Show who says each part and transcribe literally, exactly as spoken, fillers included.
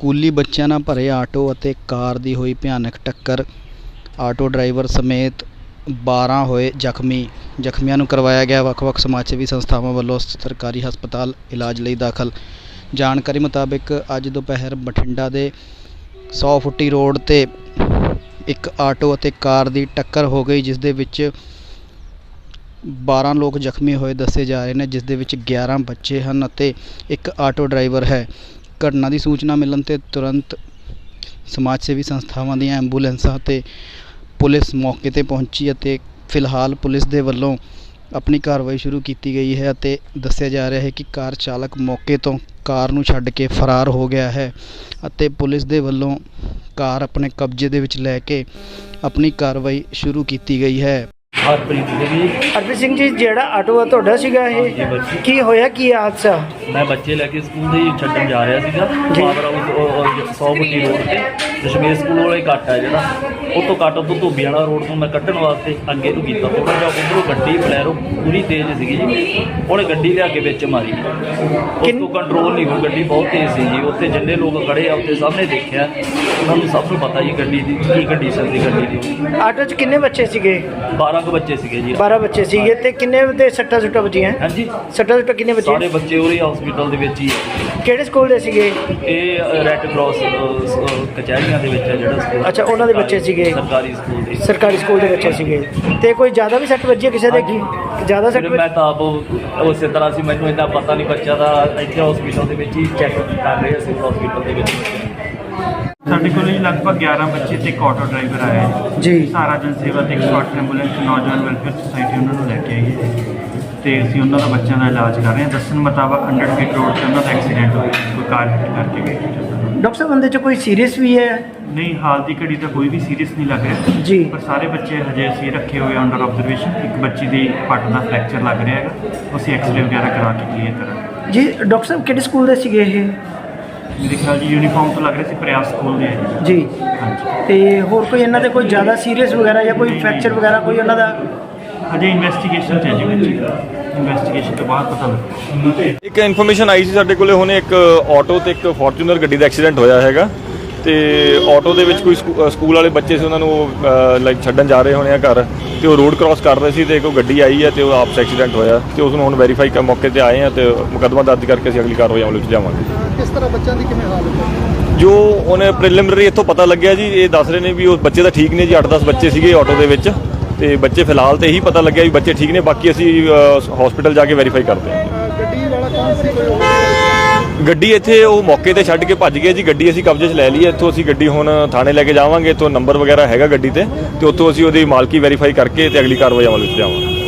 Speaker 1: ਸਕੂਲੀ ਬੱਚਿਆਂ ਨਾਲ ਭਰੇ ਆਟੋ ਅਤੇ ਕਾਰ ਦੀ ਹੋਈ ਭਿਆਨਕ ਟੱਕਰ। ਆਟੋ ਡਰਾਈਵਰ ਸਮੇਤ ਬਾਰ੍ਹਾਂ ਹੋਏ ਜ਼ਖਮੀ। ਜ਼ਖਮੀਆਂ ਨੂੰ ਕਰਵਾਇਆ ਗਿਆ ਵੱਖ ਵੱਖ ਸਮਾਜ ਸੇਵੀ ਸੰਸਥਾਵਾਂ ਵੱਲੋਂ ਸਰਕਾਰੀ ਹਸਪਤਾਲ ਇਲਾਜ ਲਈ ਦਾਖਲ। ਜਾਣਕਾਰੀ ਮੁਤਾਬਿਕ ਅੱਜ ਦੁਪਹਿਰ ਬਠਿੰਡਾ ਦੇ ਸੌ ਫੁੱਟੀ ਰੋਡ 'ਤੇ ਇੱਕ ਆਟੋ ਅਤੇ ਕਾਰ ਦੀ ਟੱਕਰ ਹੋ ਗਈ, ਜਿਸ ਦੇ ਵਿੱਚ ਬਾਰ੍ਹਾਂ ਲੋਕ ਜ਼ਖਮੀ ਹੋਏ ਦੱਸੇ ਜਾ ਰਹੇ ਨੇ, ਜਿਸ ਦੇ ਵਿੱਚ ਗਿਆਰਾਂ ਬੱਚੇ ਹਨ ਅਤੇ ਇੱਕ ਆਟੋ ਡਰਾਈਵਰ ਹੈ। ਘਟਨਾ ਦੀ ਸੂਚਨਾ ਮਿਲਣ 'ਤੇ ਤੁਰੰਤ ਸਮਾਜ ਸੇਵੀ ਸੰਸਥਾਵਾਂ ਦੀਆਂ ਐਂਬੂਲੈਂਸਾਂ ਅਤੇ ਪੁਲਿਸ ਮੌਕੇ 'ਤੇ ਪਹੁੰਚੀ ਅਤੇ ਫਿਲਹਾਲ ਪੁਲਿਸ ਦੇ ਵੱਲੋਂ ਆਪਣੀ ਕਾਰਵਾਈ ਸ਼ੁਰੂ ਕੀਤੀ ਗਈ ਹੈ ਅਤੇ ਦੱਸਿਆ ਜਾ ਰਿਹਾ ਹੈ ਕਿ ਕਾਰ ਚਾਲਕ ਮੌਕੇ ਤੋਂ ਕਾਰ ਨੂੰ ਛੱਡ ਕੇ ਫਰਾਰ ਹੋ ਗਿਆ ਹੈ ਅਤੇ ਪੁਲਿਸ ਦੇ ਵੱਲੋਂ ਕਾਰ ਆਪਣੇ ਕਬਜ਼ੇ ਦੇ ਵਿੱਚ ਲੈ ਕੇ ਆਪਣੀ ਕਾਰਵਾਈ ਸ਼ੁਰੂ ਕੀਤੀ ਗਈ ਹੈ।
Speaker 2: ਹਰਪ੍ਰੀਤ ਸਿੰਘ ਜੀ।
Speaker 3: ਹਰਪ੍ਰੀਤ ਸਿੰਘ ਜੀ, ਜਿਹੜਾ ਆਟੋ ਆ ਤੁਹਾਡਾ ਸੀਗਾ ਇਹ, ਕੀ ਹੋਇਆ, ਕੀ ਹਾਦਸਾ?
Speaker 2: ਮੈਂ ਬੱਚੇ ਲੈ ਕੇ ਸਕੂਲ ਦੇ ਛੱਡਣ ਜਾ ਰਿਹਾ ਸੀਗਾ। ਫਾਦਰ ਹਾਊਸ ਸੌ ਫੁੱਟੀ ਰੋਡ ਤੇ ਦਸ਼ਮੇਸ਼ ਸਕੂਲ ਵਾਲਾ ਹੀ ਕੱਟ ਹੈ ਜਿਹੜਾ, ਉਹ ਤੋਂ ਕੱਟ ਤੋਂ ਧੋਬੀ ਵਾਲਾ ਰੋਡ ਤੋਂ ਮੈਂ ਕੱਢਣ ਵਾਸਤੇ ਅੱਗੇ ਨੂੰ ਕੀਤਾ। ਥੋੜ੍ਹਾ ਜਿਹਾ ਉੱਧਰੋਂ ਗੱਡੀ ਬਲੈਰੋ ਪੂਰੀ ਤੇਜ਼ ਸੀਗੀ ਜੀ, ਉਹਨੇ ਗੱਡੀ ਲਿਆ ਕੇ ਵਿੱਚ ਮਾਰੀ। ਉਸ ਤੋਂ ਕੰਟਰੋਲ ਨਹੀਂ ਹੋਈ, ਗੱਡੀ ਬਹੁਤ ਤੇਜ਼ ਸੀ ਜੀ। ਉੱਥੇ ਜਿੰਨੇ ਲੋਕ ਖੜੇ ਆ ਉੱਥੇ ਸਾਹਮਣੇ ਦੇਖਿਆ, ਉਹਨਾਂ ਨੂੰ ਸਭ ਨੂੰ ਪਤਾ ਜੀ ਗੱਡੀ ਦੀ ਕੀ ਕੰਡੀਸ਼ਨ ਸੀ ਗੱਡੀ ਦੀ।
Speaker 3: ਆਟੋ 'ਚ ਕਿੰਨੇ ਬੱਚੇ ਸੀਗੇ?
Speaker 2: ਬਾਰ੍ਹਾਂ ਕੁ ਬੱਚੇ ਸੀਗੇ ਜੀ।
Speaker 3: ਬਾਰ੍ਹਾਂ ਬੱਚੇ ਸੀਗੇ ਤੇ ਕਿੰਨੇ ਦੇ ਸੱਟਾਂ ਸੁੱਟਾਂ ਵੱਜੀਆਂ?
Speaker 2: ਹਾਂਜੀ,
Speaker 3: ਸੱਟਾਂ ਸੁੱਟਾਂ ਕਿੰਨੇ ਬੱਚੇ?
Speaker 2: ਸਾਰੇ ਬੱਚੇ ਉਰੇ ਹਸਪੀਟਲ ਦੇ ਵਿੱਚ ਹੀ।
Speaker 3: ਕਿਹੜੇ ਸਕੂਲ ਦੇ ਸੀਗੇ
Speaker 2: ਇਹ? ਰੈੱਡ ਕਰਾਸ ਕਚਹਿਰੀਆਂ ਦੇ ਵਿੱਚ ਹੈ ਜਿਹੜਾ ਸਕੂਲ।
Speaker 3: ਅੱਛਾ, ਉਹਨਾਂ ਦੇ ਬੱਚੇ ਸੀਗੇ?
Speaker 2: ਸਰਕਾਰੀ ਸਕੂਲ ਦੇ।
Speaker 3: ਸਰਕਾਰੀ ਸਕੂਲ ਦੇ ਬੱਚੇ ਸੀਗੇ। ਤੇ ਕੋਈ ਜ਼ਿਆਦਾ ਵੀ ਸੱਟ ਵੱਜੀ ਕਿਸੇ ਦੇ? ਕੀ ਜ਼ਿਆਦਾ ਸੱਟ?
Speaker 2: ਮੈਂ ਤਾਂ ਆਪ ਉਸੇ ਤਰ੍ਹਾਂ ਸੀ, ਮੈਨੂੰ ਇੰਨਾ ਪਤਾ ਨਹੀਂ। ਬੱਚਾ ਦਾ ਇੱਥੇ ਹਸਪੀਟਲ ਦੇ ਵਿੱਚ ਹੀ ਚੈੱਕ ਕਰ ਰਹੇ ਸੀ, ਹਸਪੀਟਲ ਦੇ ਵਿੱਚ।
Speaker 4: ਸਾਡੇ ਕੋਲ ਲਗਭਗ ਗਿਆਰਾਂ ਬੱਚੇ ਤੇ ਇੱਕ ਆਟੋ ਡਰਾਈਵਰ ਆਇਆ
Speaker 3: ਜੀ।
Speaker 4: ਸਹਾਰਾ ਜਨ ਸੇਵਾ ਤੇ ਇੱਕ ਸਕਾਟ ਐਂਬੂਲੈਂਸ ਨੌਜਵਾਨ ਵੈਲਫੇਅਰ ਸੁਸਾਇਟੀ ਉਹਨਾਂ ਨੂੰ ਲੈ ਕੇ ਆਈ ਹੈ ਤੇ ਅਸੀਂ ਉਹਨਾਂ ਦਾ ਬੱਚਿਆਂ ਦਾ ਇਲਾਜ ਕਰ ਰਹੇ ਹਾਂ। ਦੱਸਣ ਮੁਤਾਬਕ ਹੰਡਰਡ ਫੀਟ ਰੋਡ 'ਤੇ ਉਹਨਾਂ ਦਾ ਐਕਸੀਡੈਂਟ ਹੋਇਆ, ਕੋਈ ਕਾਰ ਹਿੱਟ ਕਰਕੇ ਗਈ।
Speaker 3: ਡਾਕਟਰ ਸਾਹਿਬ, ਬੰਦੇ 'ਚ ਕੋਈ ਸੀਰੀਅਸ ਵੀ ਹੈ?
Speaker 4: ਨਹੀਂ, ਹਾਲ ਦੀ ਘੜੀ ਤਾਂ ਕੋਈ ਵੀ ਸੀਰੀਅਸ ਨਹੀਂ ਲੱਗ ਰਿਹਾ
Speaker 3: ਜੀ,
Speaker 4: ਪਰ ਸਾਰੇ ਬੱਚੇ ਹਜੇ ਅਸੀਂ ਰੱਖੇ ਹੋਏ ਅੰਡਰ ਆਬਜ਼ਰਵੇਸ਼ਨ। ਇੱਕ ਬੱਚੀ ਦੀ ਪੱਟ ਦਾ ਫ੍ਰੈਕਚਰ ਲੱਗ ਰਿਹਾ ਹੈਗਾ, ਅਸੀਂ ਐਕਸਰੇ ਵਗੈਰਾ ਕਰਾ ਕੇ ਕਲੀਅਰ ਕਰਾਂਗੇ
Speaker 3: ਜੀ। ਡਾਕਟਰ ਸਾਹਿਬ, ਕਿਹੜੇ ਸਕੂਲ ਦੇ ਸੀਗੇ ਇਹ?
Speaker 4: ਮੇਰੇ ਖਿਆਲ ਜੀ ਯੂਨੀਫਾਰਮ ਤੋਂ ਲੱਗ ਰਿਹਾ ਸੀ, ਪ੍ਰਯਾਸ ਸਕੂਲ ਦੇ ਹੈ
Speaker 3: ਜੀ।
Speaker 4: ਹਾਂਜੀ।
Speaker 3: ਤੇ ਹੋਰ ਕੋਈ ਇਹਨਾਂ ਦੇ ਕੋਈ ਜ਼ਿਆਦਾ ਸੀਰੀਅਸ ਵਗੈਰਾ ਜਾਂ ਕੋਈ ਫ੍ਰੈਕਚਰ ਵਗੈਰਾ ਕੋਈ ਉਹਨਾਂ ਦਾ?
Speaker 4: ਹਜੇ ਇਨਵੈਸਟੀਗੇਸ਼ਨ 'ਚ ਹੈ ਜੀ ਬੱਚੀ ਦਾ, ਇਨਵੈਸਟੀਗੇਸ਼ਨ ਤੋਂ ਬਾਅਦ ਪਤਾ ਲੱਗੇਗਾ।
Speaker 5: ਇੱਕ ਇਨਫੋਰਮੇਸ਼ਨ ਆਈ ਸੀ ਸਾਡੇ ਕੋਲੇ ਹੁਣੇ, ਇੱਕ ਆਟੋ ਤੇ ਇੱਕ ਫੋਰਚੂਨਰ ਗੱਡੀ ਦਾ ਐਕਸੀਡੈਂਟ ਹੋਇਆ ਹੈਗਾ ਤੇ ਆਟੋ ਦੇ ਵਿੱਚ ਕੋਈ ਸਕੂਲ ਵਾਲੇ ਬੱਚੇ ਸੀ, ਉਹਨਾਂ ਨੂੰ ਲਾਈਕ ਛੱਡਣ ਜਾ ਰਹੇ ਹੋਣੇ ਆ ਘਰ, ਤੇ ਉਹ ਰੋਡ ਕ੍ਰਾਸ ਕਰ ਰਹੇ ਸੀ ਤੇ ਕੋਈ ਗੱਡੀ ਆਈ ਹੈ ਤੇ ਉਹ ਆਪਸ ਐਕਸੀਡੈਂਟ ਹੋਇਆ ਤੇ ਉਸ ਨੂੰ ਹੁਣ ਵੈਰੀਫਾਈ ਕਰ ਮੌਕੇ ਤੇ ਆਏ ਆ ਤੇ ਮੁਕੱਦਮਾ ਦਰਜ ਕਰਕੇ ਅਸੀਂ ਅਗਲੀ ਕਾਰਵਾਈ ਅਮਲ ਵਿੱਚ ਲਿਆਵਾਂਗੇ।
Speaker 3: ਕਿਸ ਤਰ੍ਹਾਂ ਬੱਚਿਆਂ ਦੀ ਕਿਵੇਂ ਹਾਲਤ ਹੈ?
Speaker 5: ਜੋ ਉਹਨੇ ਪ੍ਰੀਲਿਮਿਨਰੀ ਇੱਥੋਂ ਪਤਾ ਲੱਗਿਆ ਜੀ, ਇਹ ਦੱਸ ਰਹੇ ਨੇ ਵੀ ਉਹ ਬੱਚੇ ਤਾਂ ਠੀਕ ਨੇ ਜੀ, ਅੱਠ ਦਸ ਬੱਚੇ ਸੀਗੇ ਆਟੋ ਦੇ ਵਿੱਚ ਤੇ ਬੱਚੇ ਫਿਲਹਾਲ ਤੇ ਇਹੀ ਪਤਾ ਲੱਗਿਆ ਵੀ ਬੱਚੇ ਠੀਕ ਨੇ, ਬਾਕੀ ਅਸੀਂ ਹਸਪੀਟਲ ਜਾ ਕੇ ਵੈਰੀਫਾਈ ਕਰਦੇ ਹਾਂ।
Speaker 3: ਗੱਡੀ ਵਾਲਾ ਕੌਣ ਸੀ?
Speaker 5: ਗੱਡੀ ਇੱਥੇ ਉਹ ਮੌਕੇ ਤੇ ਛੱਡ ਕੇ ਭੱਜ ਗਿਆ ਜੀ। ਗੱਡੀ ਅਸੀਂ ਕਬਜ਼ੇ 'ਚ ਲੈ ਲਈ ਹੈ। ਇੱਥੋਂ ਅਸੀਂ ਗੱਡੀ ਹੁਣ ਥਾਣੇ ਲੈ ਕੇ ਜਾਵਾਂਗੇ, ਇੱਥੋਂ ਨੰਬਰ ਵਗੈਰਾ ਹੈਗਾ ਗੱਡੀ ਤੇ ਤੇ ਉੱਥੋਂ ਅਸੀਂ ਉਹਦੀ ਮਾਲਕੀ ਵੈਰੀਫਾਈ ਕਰਕੇ ਤੇ ਅਗਲੀ ਕਾਰਵਾਈ ਅਮਲ ਵਿੱਚ ਲਿਆਵਾਂਗੇ।